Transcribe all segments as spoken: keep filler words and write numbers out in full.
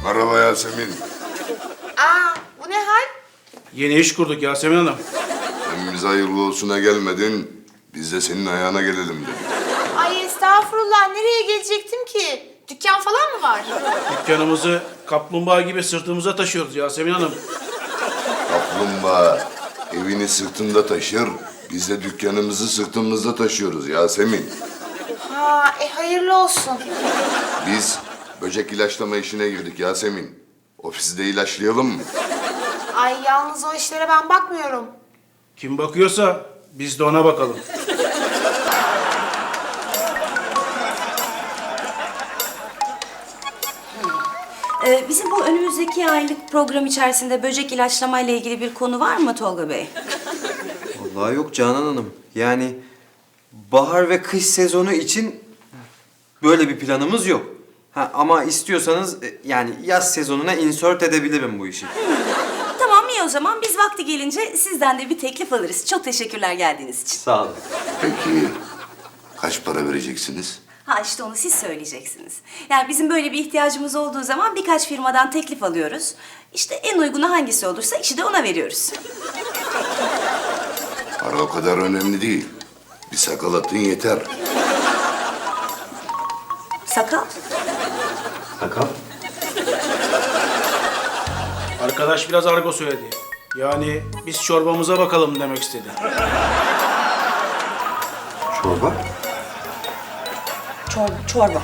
Merhaba Yasemin. Aa, bu ne hal? Yeni iş kurduk Yasemin Hanım. Sen bize hayırlı olsuna gelmedin. Biz de senin ayağına gelelim dedik. Ay estağfurullah, nereye gelecektim ki? Dükkan falan mı var? Dükkanımızı kaplumbağa gibi sırtımıza taşıyoruz Yasemin Hanım. Kaplumbağa evini sırtında taşır. Biz de dükkanımızı sırtımızda taşıyoruz Yasemin. Ha, e hayırlı olsun. Biz böcek ilaçlama işine girdik Yasemin. Ofisi de ilaçlayalım mı? Ay yalnız o işlere ben bakmıyorum. Kim bakıyorsa biz de ona bakalım. Ee, bizim bu önümüzdeki aylık program içerisinde böcek ilaçlama ile ilgili bir konu var mı Tolga Bey? Vallahi yok Canan Hanım. Yani bahar ve kış sezonu için böyle bir planımız yok. Ha, ama istiyorsanız e, yani yaz sezonuna insert edebilirim bu işi. Tamam iyi o zaman biz vakti gelince sizden de bir teklif alırız. Çok teşekkürler geldiğiniz için. Sağ olun. Peki kaç para vereceksiniz? Ha işte onu siz söyleyeceksiniz. Yani bizim böyle bir ihtiyacımız olduğu zaman birkaç firmadan teklif alıyoruz. İşte en uygunu hangisi olursa işi de ona veriyoruz. Para o kadar önemli değil. Bir sakal atın yeter. Sakal. Sakal. Arkadaş biraz argo söyledi. Yani biz çorbamıza bakalım demek istedi. Çorba. Çorba. Çorba.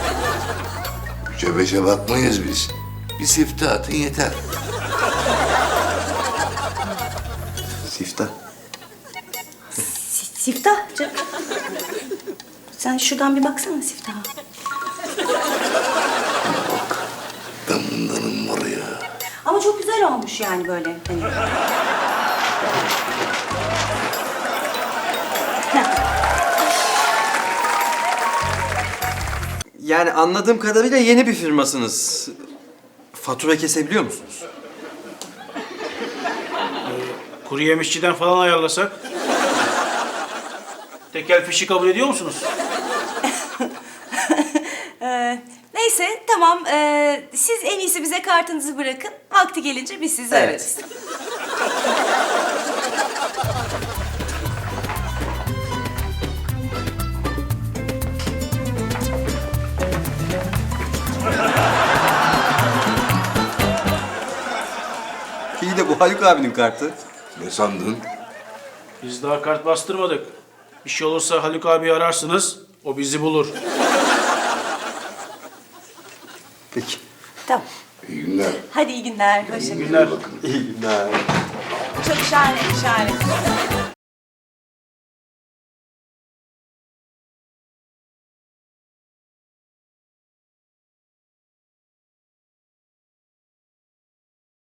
Cöbeşe bakmayız biz. Bir sifte atın yeter. Siftah. Si- Siftah canım. Sen şuradan bir baksana Siftah'a. Ben bundanım var ya. Ama çok güzel olmuş yani böyle. Hani. Yani anladığım kadarıyla yeni bir firmasınız. Fatura kesebiliyor musunuz? Kuru yemişçiden falan ayarlasak. Tekel fişi kabul ediyor musunuz? Ee, neyse tamam. Ee, siz en iyisi bize kartınızı bırakın. Vakti gelince biz sizi Evet. ararız. İyi de bu Haluk abinin kartı. Ne sandın? Biz daha kart bastırmadık. Bir şey olursa Haluk abi ararsınız. O bizi bulur. Peki. Tamam. İyi günler. Hadi iyi günler. Hoşça İyi günler. İyi günler. Çok şahane, şahane.